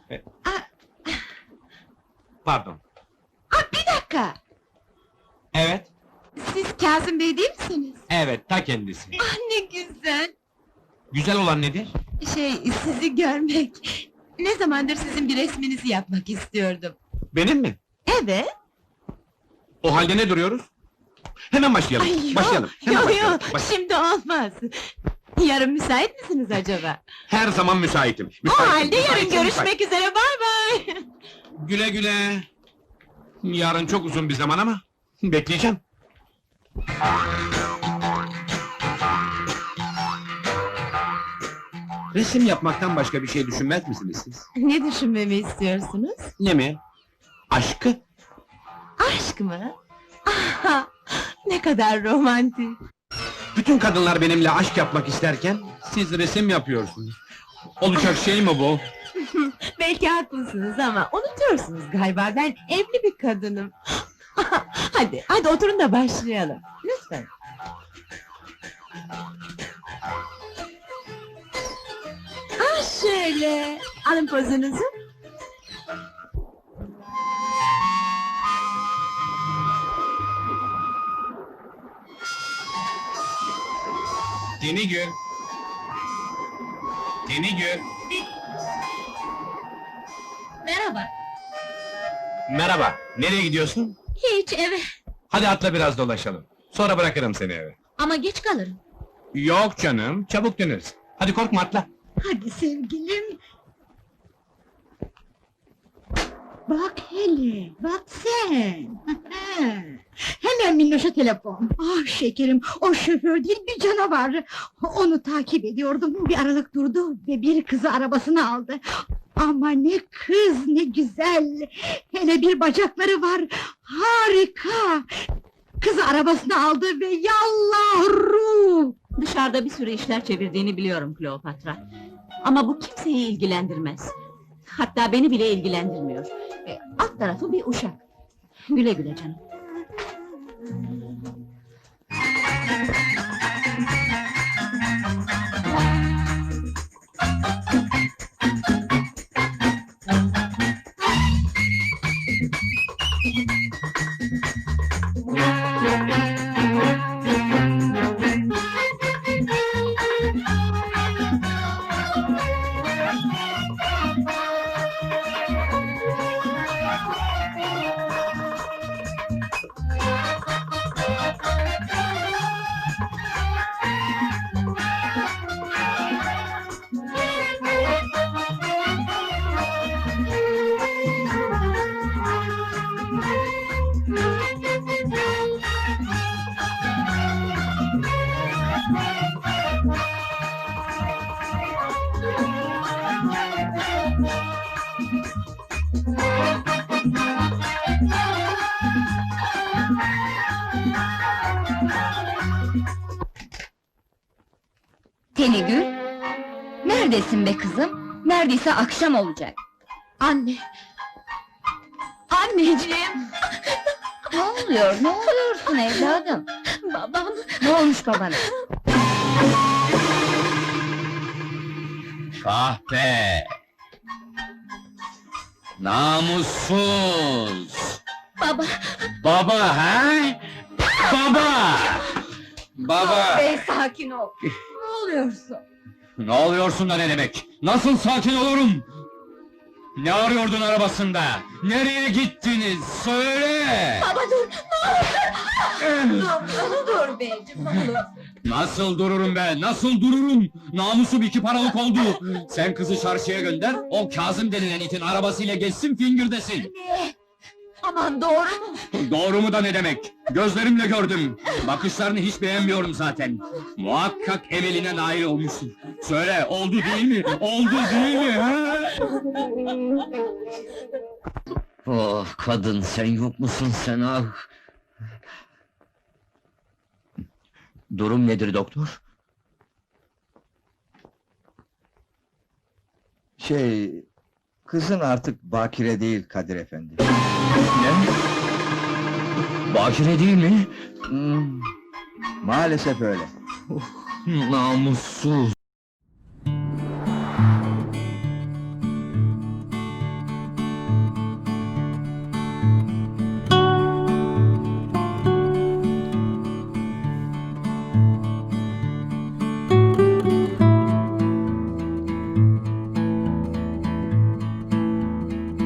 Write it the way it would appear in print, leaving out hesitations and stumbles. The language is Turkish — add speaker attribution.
Speaker 1: Aa,
Speaker 2: Pardon.
Speaker 1: bir dakika!
Speaker 2: Evet,
Speaker 1: Siz Kazım Bey değil misiniz?
Speaker 2: evet, ta kendisi.
Speaker 1: Ah, ne güzel!
Speaker 2: Güzel olan nedir?
Speaker 1: Sizi görmek... Ne zamandır sizin bir resminizi yapmak istiyordum.
Speaker 2: Benim mi?
Speaker 1: Evet!
Speaker 2: O halde ne duruyoruz? Hemen başlayalım,
Speaker 1: Ay,
Speaker 2: başlayalım. Hemen başlayalım.
Speaker 1: Şimdi olmaz! Yarın müsait misiniz acaba?
Speaker 2: Her zaman müsaitim.
Speaker 1: O
Speaker 2: Müsaitim,
Speaker 1: halde yarın
Speaker 2: müsaitim,
Speaker 1: görüşmek üzere, bay bay!
Speaker 2: müsaitim. Güle güle. Yarın çok uzun bir zaman ama... Bekleyeceğim. Resim yapmaktan başka bir şey düşünmez misiniz siz?
Speaker 1: Ne düşünmemi istiyorsunuz?
Speaker 2: Ne mi? Aşkı?
Speaker 1: Aşk mı? Ah, ne kadar romantik!
Speaker 2: Bütün kadınlar benimle aşk yapmak isterken... Siz resim yapıyorsunuz. Olacak şey mi bu?
Speaker 1: Belki haklısınız ama unutuyorsunuz galiba, ben evli bir kadınım. Hadi oturun da başlayalım, lütfen. Şöyle, alın pozunuzu.
Speaker 2: Denigül! Denigül!
Speaker 1: Merhaba.
Speaker 2: Merhaba, nereye gidiyorsun?
Speaker 1: Hiç, eve.
Speaker 2: Hadi atla biraz dolaşalım. Sonra bırakırım seni eve.
Speaker 1: Ama geç kalırım.
Speaker 2: Yok canım, çabuk döneriz. Hadi korkma atla.
Speaker 1: Hadi sevgilim. Bak hele, bak sen! Hemen Minnoş'a telefon! Ah şekerim, o şoför değil bir canavar! Onu takip ediyordum, bir aralık durdu ve bir kızı arabasına aldı. Ama ne kız, ne güzel! Hele bir bacakları var, harika! Kızı arabasına aldı ve yallah ruh!
Speaker 3: Dışarıda bir sürü işler çevirdiğini biliyorum Kleopatra. Ama bu kimseyi ilgilendirmez. Hatta beni bile ilgilendirmiyor. Alt tarafı bir uşak. Güle güle canım.
Speaker 4: Tenigül, neredesin be kızım? Neredeyse akşam olacak.
Speaker 1: Anne! Anneciğim!
Speaker 4: Ne oluyor, ne oluyorsun evladım?
Speaker 1: Babam!
Speaker 4: Ne olmuş babana?
Speaker 5: Kahpe! Namussuz!
Speaker 1: Baba!
Speaker 5: Baba he? Baba! Baba!
Speaker 4: Bey sakin ol. Ne oluyorsun?
Speaker 5: Ne oluyorsun da ne demek? Nasıl sakin olurum? Ne arıyordun arabasında? Nereye gittiniz? Söyle!
Speaker 1: Baba dur! Dur beyciğim, ne olur!
Speaker 5: Nasıl dururum be? Nasıl dururum? Namusum 2 paralık oldu. Sen kızı çarşıya gönder, o Kazım denilen itin arabasıyla geçsin fingirdesin.
Speaker 1: Aman doğru mu?
Speaker 5: Doğru mu da ne demek? Gözlerimle gördüm. Bakışlarını hiç beğenmiyorum zaten. Muhakkak emeline nail olmuşsun. Söyle, oldu değil mi? Oldu değil mi? He? Oh kadın, sen yok musun sen ah? Durum nedir doktor?
Speaker 6: Kızın artık bakire değil Kadir efendi.
Speaker 5: Ne? Bakire değil mi?
Speaker 6: Maalesef öyle.
Speaker 5: Namussuz!